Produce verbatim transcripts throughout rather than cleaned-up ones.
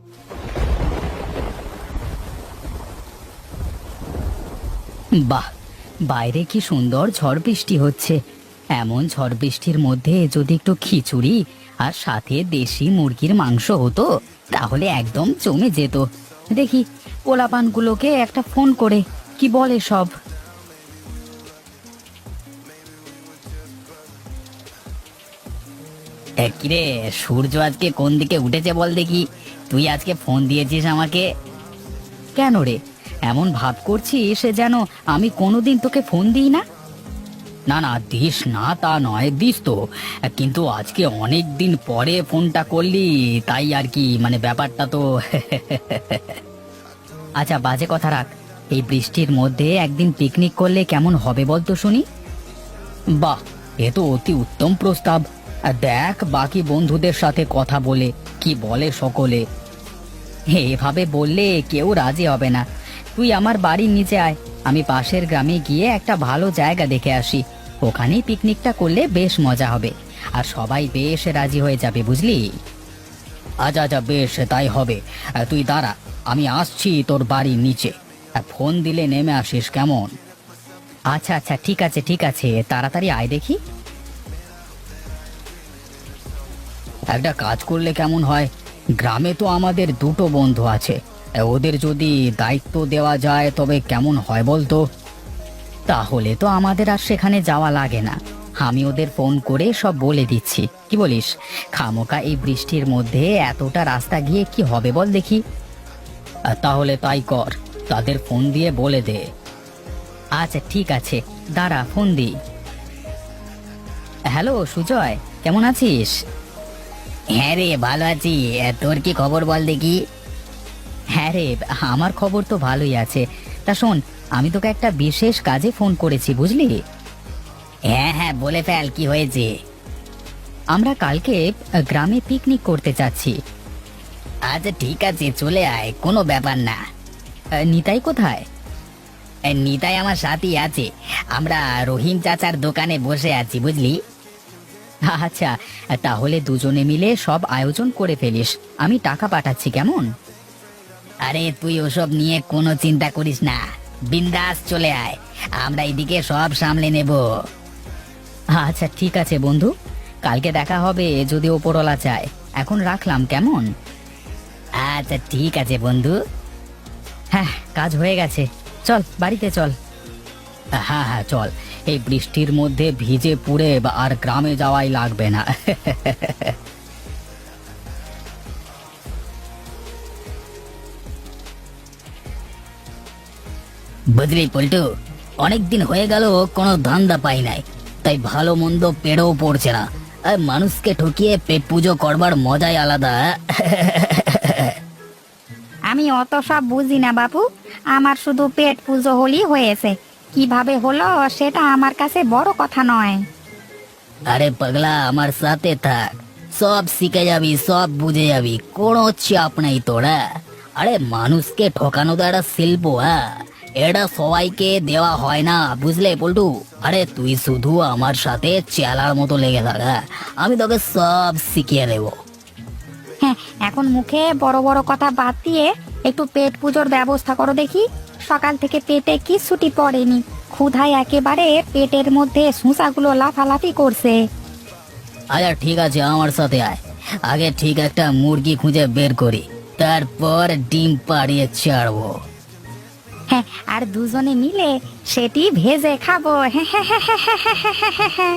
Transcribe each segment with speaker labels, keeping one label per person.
Speaker 1: বাহ, বাইরে কি সুন্দর ঝড় বৃষ্টি হচ্ছে। এমন ঝড় বৃষ্টির মধ্যে যদি একটু খিচুড়ি আর সাথে দেশি মুরগির মাংস হতো তাহলে একদম জমে যেত। দেখি পোলাপানগুলোকে একটা ফোন করে কি বলে সব। এ, কিরে, সূর্য আজকে কোন দিকে উঠেছে বল দেখি। তুই আজকে ফোন দিয়েছিস আমাকে কেন রে? এমন ভাব করছিস যেন আমি কোনোদিন তোকে ফোন দিই না। না না, দিস না তা নয়, দিস তো, কিন্তু আজকে অনেক দিন পরে ফোনটা করলি তাই আর কি, মানে ব্যাপারটা তো আচ্ছা বাজে কথা রাখ। এই বৃষ্টির মধ্যে একদিন পিকনিক করলে কেমন হবে বল তো শুনি। বাহ, এ তো অতি উত্তম প্রস্তাব। আর দেখ বাকি বন্ধুদের সাথে কথা বলে কি বলে সকলে। এভাবে বললে কেউ রাজি হবে না। তুই আমার বাড়ির নিচে আয়, আমি পাশের গ্রামে গিয়ে একটা ভালো জায়গা দেখে আসি। ওখানেই পিকনিকটা করলে বেশ মজা হবে আর সবাই বেশ রাজি হয়ে যাবে, বুঝলি। আচ্ছা আচ্ছা, বেশ তাই হবে। আহ, তুই দাঁড়া, আমি আসছি তোর বাড়ির নিচে। আহ, ফোন দিলে নেমে আসিস কেমন। আচ্ছা আচ্ছা, ঠিক আছে ঠিক আছে, তাড়াতাড়ি আয় দেখি। একটা কাজ করলে কেমন হয়, গ্রামে তো আমাদের দুটো বন্ধু আছে, ওদের যদি দায়িত্ব দেওয়া যায় তবে কেমন হয় বলতো। তাহলে তো আমাদের আর সেখানে যাওয়া লাগে না। আমি ওদের ফোন করে সব বলে দিচ্ছি, কি বলিস? খামোকা এই বৃষ্টির মধ্যে এতটা রাস্তা গিয়ে কি হবে বল দেখি। আহ, তাহলে তাই কর, তাদের ফোন দিয়ে বলে দে। আচ্ছা ঠিক আছে, দাঁড়া ফোন দি। হ্যালো সুজয়, কেমন আছিস? হ্যাঁ রে, ভালো আছি। তোর কি খবর বল দেখি। হ্যাঁ রে, আমার খবর তো ভালোই আছে। তা শোন, আমি তোকে একটা বিশেষ কাজে ফোন করেছি, বুঝলি। হ্যাঁ হ্যাঁ, বলে ফেল, কি হয়েছে? আমরা কালকে আহ, গ্রামে পিকনিক করতে যাচ্ছি। আচ্ছা ঠিক আছে, চলে আয়, কোনো ব্যাপার না। আহ, নিতাই কোথায়? আহ, নিতাই আমার সাথেই আছে। আমরা রহিম চাচার দোকানে বসে আছি, বুঝলি। আচ্ছা, তাহলে দুজনে মিলে সব আয়োজন করে ফেলিস, আমি টাকা পাঠাচ্ছি, কেমন? আরে তুই ওসব নিয়ে কোনো চিন্তা করিস না, বিন্দাস চলে আয়, আমরা এদিকে সব সামলে নেব। আচ্ছা ঠিক আছে বন্ধু, কালকে দেখা হবে যদি ওপরওয়ালা চায়। এখন রাখলাম, কেমন? আচ্ছা ঠিক আছে বন্ধু। হ্যাঁ, কাজ হয়ে গেছে, চল বাড়িতে চল। হ্যাঁ হ্যাঁ চল, এই বৃষ্টির মধ্যে ভিজে পুড়ে বা আর গ্রামে যাওয়াই লাগবে না বুঝলি পল্টু, অনেকদিন হয়ে গেল কোনো ধান্দা পাই নাই, তাই ভালো মন্দ পেড়েও পড়ছে না। আর মানুষকে ঠকিয়ে পেট পুজো করবার মজাই আলাদা
Speaker 2: আমি অত সব বুঝি না বাবু, আমার শুধু পেট পুজো হলেই হয়েছে। কিভাবে হলো সেটা আমার কাছে বড় কথা নয়।
Speaker 1: আরে পাগলা, আমার সাথে থাক, সব শিখে যাবি, সব বুঝে যাবি, কোনো চাপ নেই তোরা। আরে মানুষকে ঠকানো তো একটা শিল্প, হ্যাঁ, এটা সবাইকে দেওয়া হয় না, বুঝলে পল্টু। আরে তুই শুধু আমার সাথে চেলার মতো লেগে থাক, হ্যাঁ, আমি তোকে সব শিখিয়ে দেবো।
Speaker 2: হ্যাঁ, এখন মুখে বড় বড় কথা বাদ দিয়ে একটু পেট পুজোর ব্যবস্থা করো দেখি। সকাল থেকে পেটে কিচ্ছুটি পড়েনি, ক্ষুধায় একেবারে পেটের মধ্যে সুসাগুলো লাফালাফি করছে।
Speaker 1: আচ্ছা ঠিক আছে, আমার সাথে আয়, আগে ঠিক একটা মুরগি খুঁজে বের করি, তারপর ডিম পাড়িয়ে ছাড়বো।
Speaker 2: হ্যাঁ, আর দুজনে মিলে সেটি ভেজে খাবো। হ্যাঁ হ্যাঁ হ্যাঁ হ্যাঁ হ্যাঁ হ্যাঁ হ্যাঁ হ্যাঁ হ্যাঁ।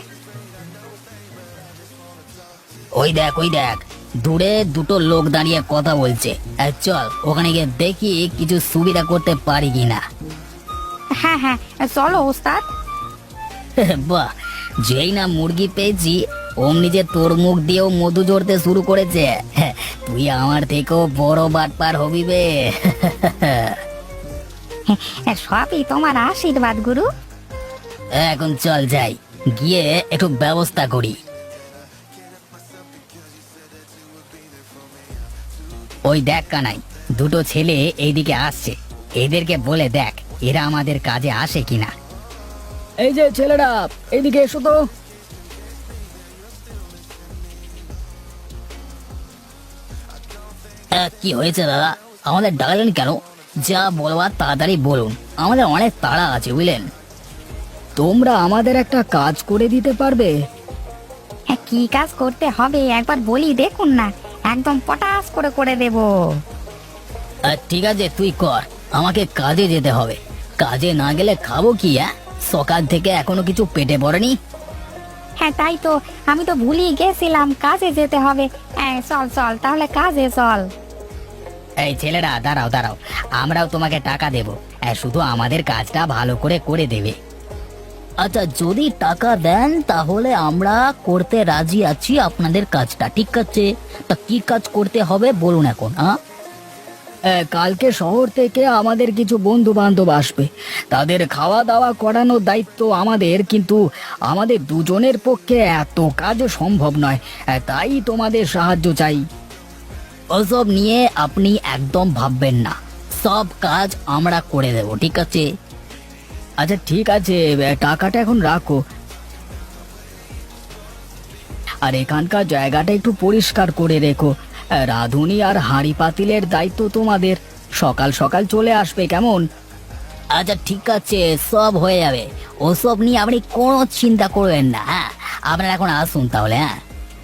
Speaker 1: ওই দেখ ওই দেখ, দূরে দুটো লোক দাঁড়িয়ে কথা বলছে। আহ, চল ওখানে গিয়ে দেখি কিছু সুবিধা করতে পারি কিনা।
Speaker 2: হ্যাঁ হ্যাঁ, চলো ওস্তাদ।
Speaker 1: বাহ, যেই না মুরগি পেয়েছি অমনি যে তোর মুখ দিয়েও মধু ঝরতে শুরু করেছে। হ্যাঁ, তুই আমার থেকেও বড় বাটপার হবি বে
Speaker 2: হ্যাঁ, সবই তোমার আশীর্বাদ গুরু।
Speaker 1: এখন চল যাই, গিয়ে একটু ব্যবস্থা করি। ওই দেখ কানাই, দুটো ছেলে এইদিকে আসছে, এদেরকে বলে দেখ এরা আমাদের কাজে আসে কিনা। এই যে ছেলেরা, এইদিকে এসো তো। কি হয়েছে দাদা, আমাদের ডাকলেন কেন? যা বলবার তাড়াতাড়ি বলুন, আমাদের অনেক তাড়া আছে বুঝলেন। তোমরা আমাদের একটা কাজ করে দিতে পারবে?
Speaker 2: হ্যাঁ, কি কাজ করতে হবে একবার বলি দেখুন না, একদম পটাশ করে করে দেব।
Speaker 1: ঠিক আছে তুই কর, আমাকে কাজে যেতে হবে। কাজে না গেলে খাবো কি? হ্যাঁ, সকাল থেকে এখনো কিছু পেটে পড়েনি।
Speaker 2: হ্যাঁ তাই তো, আমি তো ভুলিয়ে গেছিলাম কাজে যেতে হবে। হ্যাঁ চল চল তাহলে কাজে চল।
Speaker 1: এই ছেলেরা দাঁড়াও দাঁড়াও, আমরাও তোমাকে টাকা দেব, শুধু আমাদের কাজটা ভালো করে করে দেবে। আচ্ছা, যদি টাকা দেন তাহলে আমরা করতে রাজি আছি আপনাদের কাজটা, ঠিক আছে? তা কি কাজ করতে হবে বলুন এখন। হ্যাঁ, কালকে শহর থেকে আমাদের কিছু বন্ধু বান্ধব আসবে, তাদের খাওয়া দাওয়া করানোর দায়িত্ব আমাদের, কিন্তু আমাদের দুজনের পক্ষে এত কাজ সম্ভব নয়, তাই তোমাদের সাহায্য চাই। ওসব নিয়ে আপনি একদম ভাববেন না, সব কাজ আমরা করে দেব, ঠিক আছে? আচ্ছা ঠিক আছে, টাকাটা এখন রাখো। আর এখানকার জায়গাটা একটু পরিষ্কার করে রেখো। রাঁধুনি আর হাঁড়ি পাতিলের দায়িত্ব তোমাদের, সকাল সকাল চলে আসবে, কেমন? আচ্ছা ঠিক আছে, সব হয়ে যাবে, ওসব নিয়ে আপনি কোনো চিন্তা করবেন না। হ্যাঁ, আপনারা এখন আসুন তাহলে। হ্যাঁ,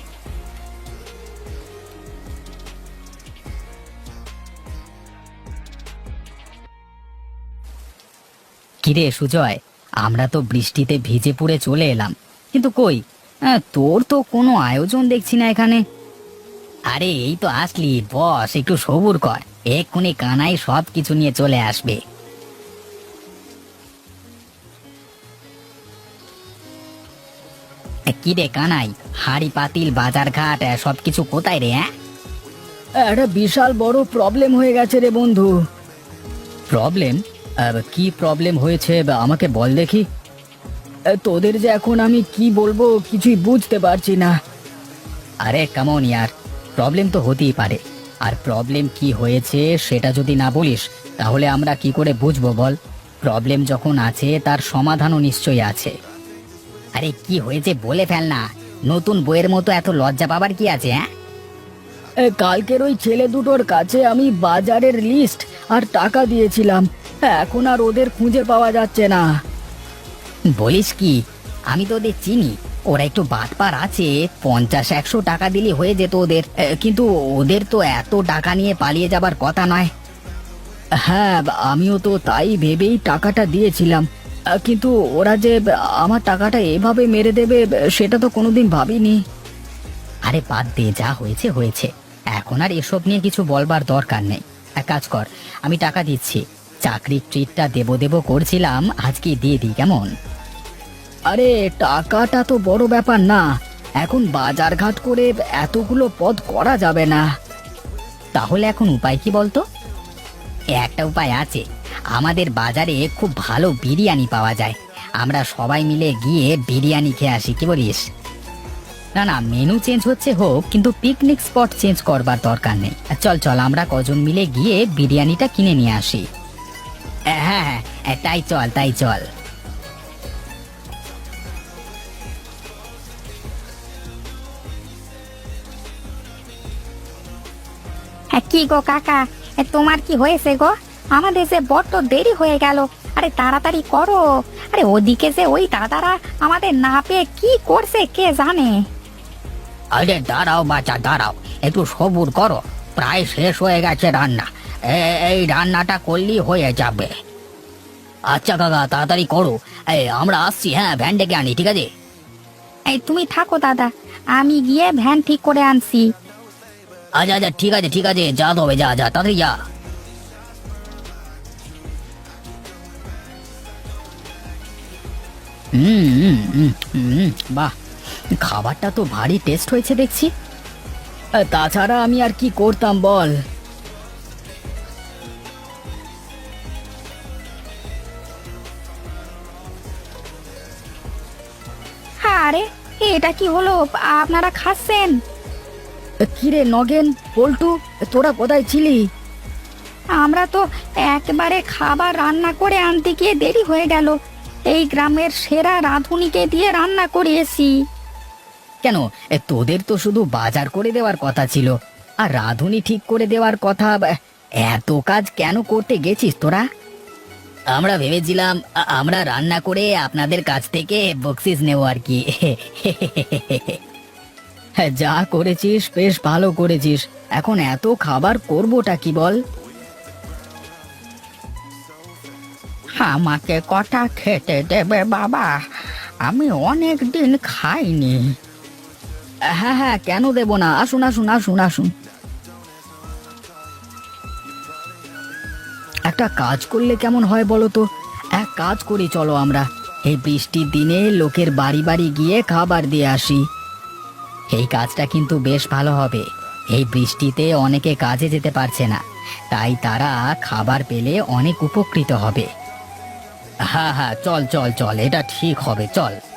Speaker 1: কিরে সুজয়, আমরা তো বৃষ্টিতে ভিজে পুড়ে চলে এলাম, কিন্তু কই আহ, তোর তো কোনো আয়োজন দেখছি না এখানে। আরে এই তো আসলি, বস একটু সবুর কর, এক্ষুনি কানাই সব কিছু নিয়ে চলে আসবে। কি রে কানাই, হাড়ি পাতিল বাজার ঘাট সব কিছু কোথায় রে? হ্যাঁ, একটা বিশাল বড় প্রবলেম হয়ে গেছে রে বন্ধু। প্রবলেম? কি প্রবলেম হয়েছে আমাকে বল দেখি। তোদের যে এখন আমি কি বলবো কিছুই বুঝতে পারছি না। আরে কেমন ইয়ার, প্রবলেম তো হতেই পারে, আর প্রবলেম কি হয়েছে সেটা যদি না বলিস তাহলে আমরা কি করে বুঝবো বল? প্রবলেম যখন আছে তার সমাধানও নিশ্চয়ই আছে। আরে কি হয়েছে বলে ফেল না, নতুন বইয়ের মতো এত লজ্জা পাবার কি আছে? হ্যাঁ, কালকের ওই ছেলে দুটোর কাছে আমি বাজারের লিস্ট আর টাকা দিয়েছিলাম, এখন আর ওদের খুঁজে পাওয়া যাচ্ছে না। বলিস কি? আমি তো ওদের চিনি, ওরা একটু বাটপার আছে, পঞ্চাশ একশো টাকা দিলে হয়ে যেত ওদের, কিন্তু ওদের তো এত টাকা নিয়ে পালিয়ে যাবার কথা নয়। হ্যাঁ, আমিও তো তাই ভেবেই টাকাটা দিয়েছিলাম, কিন্তু ওরা যে আমার টাকাটা এভাবে মেরে দেবে সেটা তো কোনোদিন ভাবিনি। আরে বাদ দে, যা হয়েছে হয়েছে, এখন আর এসব নিয়ে কিছু বলবার দরকার নেই। এক কাজ কর, আমি টাকা দিচ্ছি, চাকরির ট্রিটটা দেবো দেবো করছিলাম, আজকে দিয়ে দিই, কেমন? আরে টাকাটা তো বড় ব্যাপার না, এখন বাজার ঘাট করে এতগুলো পদ করা যাবে না। তাহলে এখন উপায় কি বলতো? একটা উপায় আছে, আমাদের বাজারে খুব ভালো বিরিয়ানি পাওয়া যায়, আমরা সবাই মিলে গিয়ে বিরিয়ানি খেয়ে আসি, কি বলিস? না না, মেনু চেঞ্জ হচ্ছে হোক, কিন্তু পিকনিক স্পট চেঞ্জ করবার দরকার নেই। চল চল, আমরা কজন মিলে গিয়ে বিরিয়ানিটা কিনে নিয়ে আসি। হ্যাঁ হ্যাঁ, তাই চল তাই চল।
Speaker 2: হ্যাঁ কি গো কাকা, এ তোমার কি হয়েছে গো? আমাদের যে বড্ড দেরি হয়ে গেল, আরে তাড়াতাড়ি করো। আরে ওদিকে যে ওই দাদারা আমাদের না পেয়ে কি করছে কে জানে।
Speaker 1: আরে দাঁড়াও বাচ্চা দাঁড়াও, একটু সবুর করো, প্রায় শেষ হয়ে গেছে রান্না, এ- এই রান্নাটা করলেই হয়ে যাবে। আচ্ছা কাকা তাড়াতাড়ি করো, এই আমরা আসছি। হ্যাঁ, ভ্যান ডেকে আনি, ঠিক আছে?
Speaker 2: এই তুমি থাকো দাদা, আমি গিয়ে ভ্যান ঠিক করে আনছি।
Speaker 1: আচ্ছা আচ্ছা ঠিক আছে ঠিক আছে, যা তবে যা যা তাড়াতাড়ি যা। হুম হুম, হুম, হুম, বাহ, খাবারটা তো ভারী টেস্ট হয়েছে দেখছি। তাছাড়া আমি আর কি করতাম বল?
Speaker 2: আরে এটা কি হলো, আপনারা খাচ্ছেন?
Speaker 1: কিরে নগেন, পল্টু, তোরা কোথায় ছিলি?
Speaker 2: আমরা তো একবারে খাবার রান্না করে আনতে গিয়ে দেরি হয়ে গেল, এই গ্রামের সেরা রাঁধুনিকে দিয়ে রান্না করিয়েছি।
Speaker 1: কেন, এ, তোদের তো শুধু বাজার করে দেওয়ার কথা ছিল, আর রাঁধুনি ঠিক করে দেওয়ার কথা, বা- এত কাজ কেন করতে গেছিস তোরা? আমরা ভেবেছিলাম আ- আমরা রান্না করে আপনাদের কাছ থেকে বকশিস নেব আর কি। হ্যাঁ, যা করেছিস বেশ ভালো করেছিস। এখন এত খাবার করবোটা কি বল?
Speaker 2: আমাকে কটা খেতে দেবে বাবা? আমি অনেক দিন খাইনি।
Speaker 1: হ্যাঁ হ্যাঁ, কেন দেব না, আসুন আসুন আসুন আসুন। একটা কাজ করলে কেমন হয় বলো তো? এক কাজ করি, চলো আমরা এই বৃষ্টির দিনে লোকের বাড়ি বাড়ি গিয়ে খাবার দিয়ে আসি। এই কাজটা কিন্তু বেশ ভালো হবে। এই বৃষ্টিতে অনেকে কাজে যেতে পারছে না, তাই তারা খাবার পেলে অনেক উপকৃত হবে। হ্যাঁ হ্যাঁ, চল চল চল, এটা ঠিক হবে, চল।